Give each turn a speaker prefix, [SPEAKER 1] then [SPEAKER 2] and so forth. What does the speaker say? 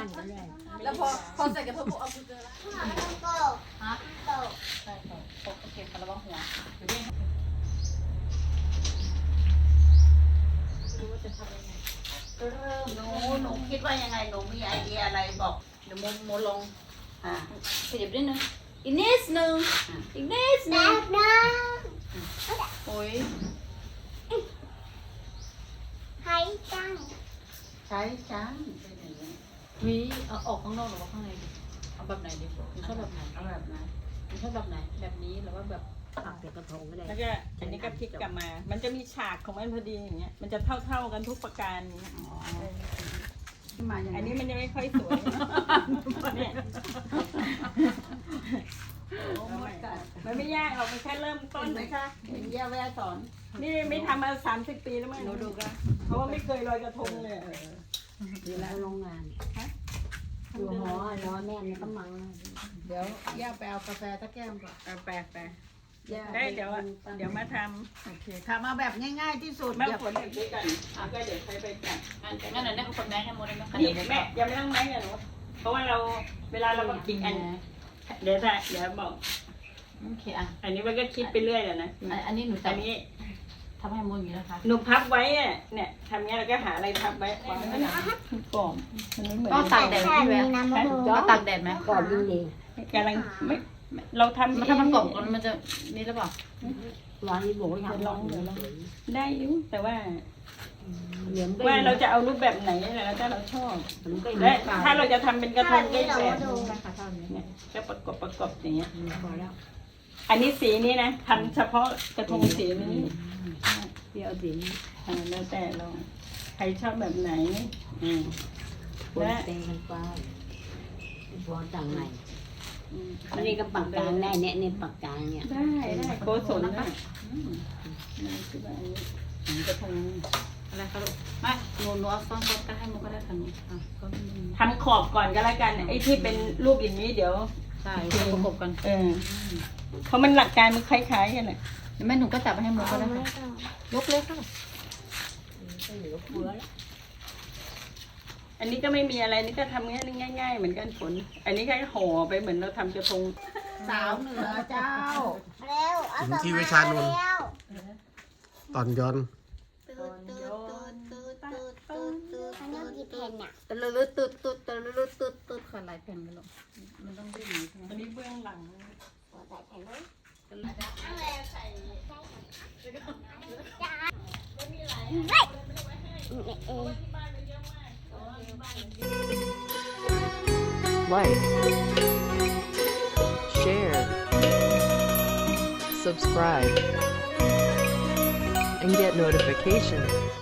[SPEAKER 1] านกันเลย
[SPEAKER 2] แล้วพอใส่กระเพาะเอาคือเจอแล้วฮะใช่โอเคระวังหัวอยู่นี่รู้ว่าจะทำยังไงเริ่ม
[SPEAKER 3] หนูคิดว่ายังไงหนูมีไอเดียอะไรบอก
[SPEAKER 2] เดี๋ยวโมลง
[SPEAKER 3] ขยับ
[SPEAKER 2] นิดนึงอีกนิดนึงอีกนิดนึงโอ้ย
[SPEAKER 3] ใช้จัง
[SPEAKER 2] วิเอาออกข้างนอกหรือว่าข้างในดีเอาแบบไหนดีชอบแบบไหน
[SPEAKER 3] เอาแบบนั้น
[SPEAKER 2] ชอบแบบไหนแบบนี้หรือว่าแบบ
[SPEAKER 1] ผักเปียกกระทงก็ได้
[SPEAKER 4] แล้วก็อันนี้ก็พลิกกลับมา มันจะมีฉากของมันพอดีอย่างเงี้ย มันจะเท่ากันทุกประการอย่างเงี้ย
[SPEAKER 3] ที่มาอย่าง
[SPEAKER 4] อันนี้
[SPEAKER 3] นี้
[SPEAKER 4] มันจะไม่ค่อยสวยเนี่ยมันไม่ยากหรอกมันแค่เริ่มต้
[SPEAKER 3] ต้
[SPEAKER 4] น
[SPEAKER 3] นไหมคะเห็นย่าแวสอน
[SPEAKER 4] นี่ไม่ทำมา30 ปีแล้วมั้งหนูดูกันเพราะว่าไม่เคยลอยกระทงเลย
[SPEAKER 1] ดีแล้วโรงงานอยู่หอรอแม่ในกำมัง
[SPEAKER 3] เดี๋ยวย่าไปเอากาแฟตะแก้มก่อน
[SPEAKER 4] แปลได้เดี๋ยวมาท
[SPEAKER 3] โอเคทำมาแบบง่ายๆที่สุด
[SPEAKER 4] ำแม่ฝนเด็กด้วยกันแล้วก็เดี๋ยวใครไปจัด
[SPEAKER 2] งั้นเดี๋ยวได้คนแม่ให้โมได้ไหมคะ
[SPEAKER 4] นี่แม่ยังไม่ต้องแม่กันหนูเพราะว่าเราเวลาเราก็กินอันเดี๋ยวบอก
[SPEAKER 2] โอเคอ่ะ
[SPEAKER 4] อันนี้มันก็คิดไปเรื่อยแหละนะ
[SPEAKER 2] อันนี้หนู
[SPEAKER 4] อันนี้
[SPEAKER 2] ทำให้โมอย่างนี้นะคะ
[SPEAKER 4] หนูพับไว้อะเนี่ยทำเงี้ยเราก็หาอะไรพับไว้วางไว้หน่อยกล่อมมันไม่เหมือน
[SPEAKER 2] ก็ตากแดดพี่แววก็ตากแดดไหม
[SPEAKER 1] ก่อนดี
[SPEAKER 4] กำลังไม่เราทำ
[SPEAKER 2] มันถ้ามันกรอบกันมันจะนี่หรือเปล่า
[SPEAKER 1] ร้านนี้บอกว่าอยาก
[SPEAKER 4] ได้อยู่แต่ว่า
[SPEAKER 1] เหลือง
[SPEAKER 4] ว่าเราจะเอารูปแบบไหนแล้วถ้าเราชอบ
[SPEAKER 1] มันก็
[SPEAKER 4] และถ้าเราจะทำเป็นกระทงได้แบบ
[SPEAKER 2] ค่ะเท่านี้
[SPEAKER 4] เนี่ยก็ประกบอย่างเงี้ย
[SPEAKER 1] พอแล้ว
[SPEAKER 4] อันนี้สีนี้นะทำเฉพาะกระทงสีนี้
[SPEAKER 1] เดี๋ยวสิ
[SPEAKER 4] แล้วแต่เราใครชอบแบบไหนอืม
[SPEAKER 1] ปนเตกันไปพอต่างไหนอันนี้ก็ปักกลางได้เนี่ยปักกลางเนี่ย
[SPEAKER 4] ได้โกศลนะนี่คือแบบอันนี้กระทง
[SPEAKER 2] อะไรคะลูกไม่หนูเอาซ้อนก็ให้โมก็ได้ค่ะหนูก็
[SPEAKER 4] ทำขอบก่อนก็แล้วกันไอ้ที่เป็นรูปอย่างนี้เดี๋ยว
[SPEAKER 2] ใช่ประกบกัน
[SPEAKER 4] เพราะมันหลักการมันคล้ายๆกันแหละ
[SPEAKER 2] แม่หนูก็จับไปให้โมก็ได้ค่ะยกเลยค่ะ
[SPEAKER 1] เหลือเฟือแล้ว
[SPEAKER 4] อันนี้ก็ไม่มีอะไรนี่ก็ทำง่ายๆเหมือนกันฝนอันนี้แค่ห่อไปเหมือนเราทำกระทง
[SPEAKER 3] สาวเหนือเจ้า
[SPEAKER 5] ถึงที่วิชานนท์ตอนย้อน
[SPEAKER 2] ตะลุตุดตุดตะลุตุดตุดขอหลายแผ่นกันลูกมันต้องดิ้นใช่ไหม
[SPEAKER 4] อันนี้เบื้องหลัง
[SPEAKER 6] Like, share, subscribe, and get notifications.